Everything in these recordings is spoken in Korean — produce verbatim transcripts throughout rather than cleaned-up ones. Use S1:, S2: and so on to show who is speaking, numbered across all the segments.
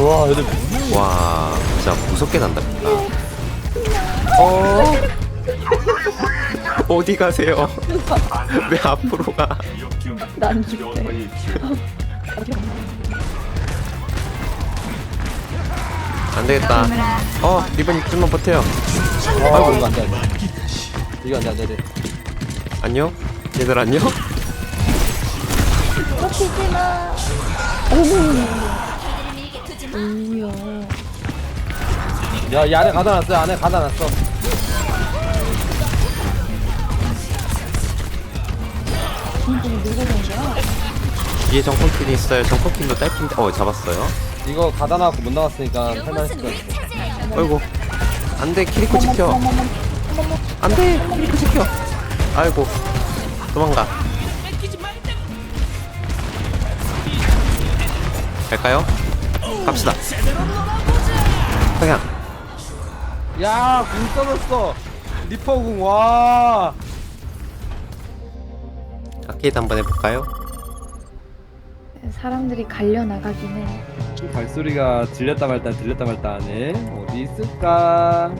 S1: 와 얘들
S2: 와 진짜 무섭게 난답니다. 어 어디 가세요? 왜 앞으로 가?
S3: 난 죽대.
S2: 안 되겠다. 어 리본 좀만 버텨요.
S1: 아이고 이거 안돼 안돼 이거 안돼 안돼 안돼
S2: 안녕? 얘들 안녕?
S3: 쫓기지 마. 어머. 뭐야.
S1: 야, 이 안에 가다 놨어, 안에 가다 놨어.
S3: 진짜 누가 된 거야?
S2: 뒤에 정커킬이 있어요. 정커킬로 딸핀데 어 잡았어요.
S1: 이거 가다 놨고 못 나갔으니까 할만했을 것 같아.
S2: 아이고 안돼 키리코 지켜. 안돼 키리코 지켜. 아이고 도망가. 갈까요? 갑시다. 그냥
S1: 야, 궁 떨었어. 리퍼궁, 와.
S2: 아케이드 한번 해볼까요?
S3: 사람들이 갈려 나가긴 해.
S1: 발소리가 들렸다 말다 들렸다 말다 하네. 어디 있을까?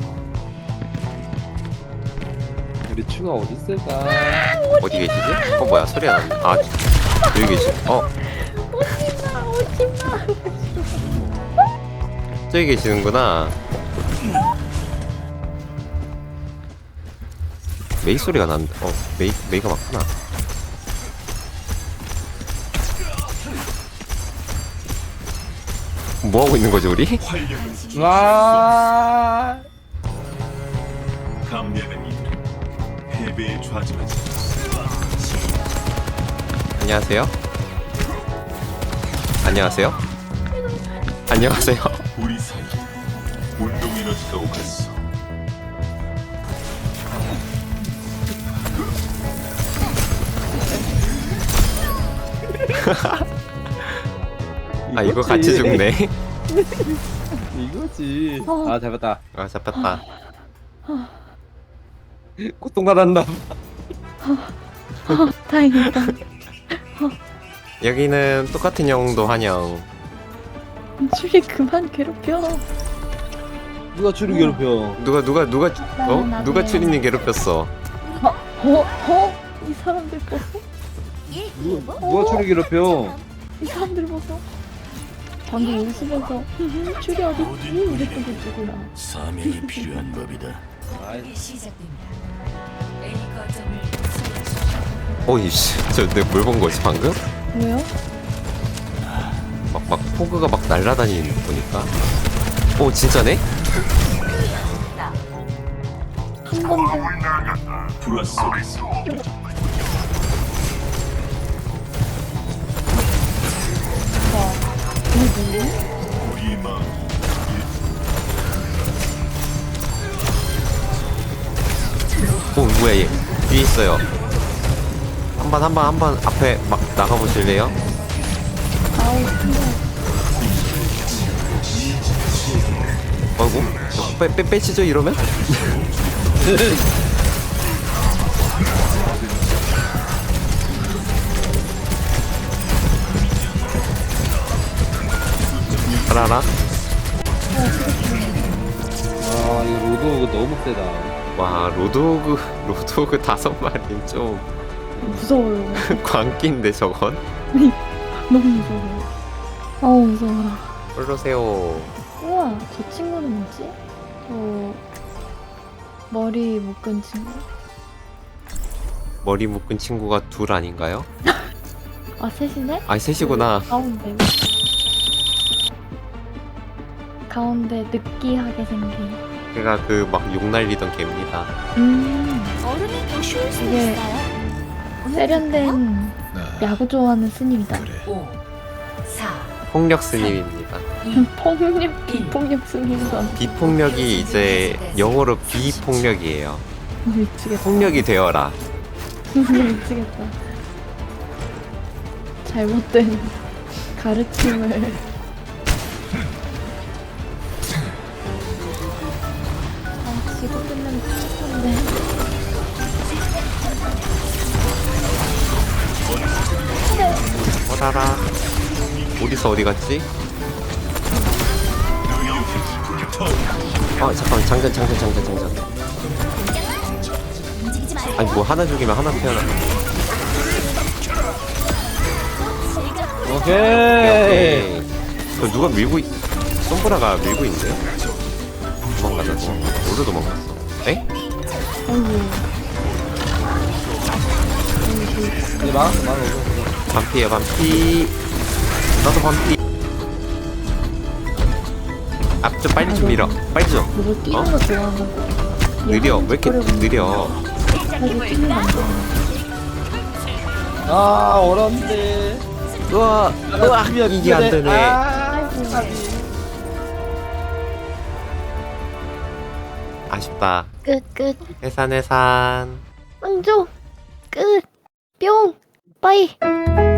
S1: 우리 추가 어디 있을까?
S2: 어디 계시지? 어 뭐야 소리가 나는데. 아 여기 계시. 어
S3: 오지마 오지마.
S2: 저기 계시는구나. 메이 소리가 난다. 어 메이 메이가 맞구나. 뭐 하고 있는 거지 우리?
S1: 와.
S4: 감리하는 이들은 패배에 좌지하지.
S2: 안녕하세요. 안녕하세요. 안녕하세요.
S4: 우리 사이 운동 에너지가 오갔어.
S2: 아 이거 같이 죽네.
S1: 이거지.
S3: 어.
S1: 아, 잡았다.
S2: 아 잡혔다.
S1: 고통받았나?
S3: 다행이다.
S2: 여기는 똑같은 영웅도 환영.
S3: 줄이 그만 괴롭혀.
S1: 누가 추리 괴롭혀?
S2: 누가 누가 누가 어
S3: 나도
S2: 누가
S3: 나도요.
S2: 추리님 괴롭혔어?
S3: 어? 어? 어? 이 사람들 보소?
S1: 누가, 누가 추리 괴롭혀?
S3: 이 사람들 보소? 방금 웃으면서 줄이 어딨지? 이랬던 게 누구야?
S4: 사명이 필요한 법이다.
S1: 아이,
S5: 시작됩니다. A 거점을 수행하십시오.
S2: 어이씨 저 내가 뭘 본 거지 방금?
S3: 왜요?
S2: 막 막 포그가 막 날아다니는 거 보니까. 오 진짜네?
S3: 한 번도
S4: 불화 속에서 우리의 마음
S2: 오 뭐야 얘 뒤에 있어요. 한 번 한 번 한 번 앞에 막 나가 보실래요?
S3: 아우 근데
S2: 아이고 빼, 빼, 빼치죠 이러면? 알아라.
S1: 아, 이거 로드 너무 세다.
S2: 와 로드오그 로드오그 다섯 마리는 좀
S3: 무서워요.
S2: 광기인데 저건?
S3: 너무 무서워요. 어우 무서워라.
S2: 올라오세요.
S3: 우와 저 친구는 뭐지? 저 머리 묶은 친구.
S2: 머리 묶은 친구가 둘 아닌가요?
S3: 아 셋이네?
S2: 아 셋이구나.
S3: 가운데 가운데 느끼하게 생긴.
S2: 걔가 그 막 욕 날리던 개입니다.
S3: 음
S6: 얼음이 더 쉬울 수
S3: 이게
S6: 있어요.
S3: 세련된 야구 좋아하는 스님이다.
S5: 오, 사,
S2: 폭력 스님입니다.
S5: 이,
S3: 폭력 비폭력 스님이다.
S2: 비폭력이 이제 영어로 비폭력이에요.
S3: 미치겠다.
S2: 폭력이 되어라.
S3: 미치겠다. 잘못된 가르침을. 아, 지금 끝나면 좋겠는데.
S2: 어라라. 어디서 어디 갔지? 어 잠깐만 장전 장전 장전 장전. 아니 뭐 하나 죽이면 하나 태어나.
S1: 오케이.
S2: 오케이. 저 누가 밀고 있... 솜브라가 밀고 있는데요? 도망가자 도망가. 모두 도망갔어. 에?
S3: 아이고.
S1: 이제 막았어 막았어.
S2: 반피야 반피. 나도 반피. 앞쪽 빨리 좀 밀어. 빨리 좀.
S3: 이거 뛰는
S2: 어?
S3: 거 좋아하는 거.
S2: 느려. 왜 이렇게 느려?
S3: 사실 뛰는 거안 좋아하는
S1: 아 어려운데.
S2: 우와 우와 이게 안 되네.
S1: 아,
S2: 아쉽다.
S3: 끝, 끝.
S2: 해산 해산.
S3: 왕조. 끝. 뿅. 빠이.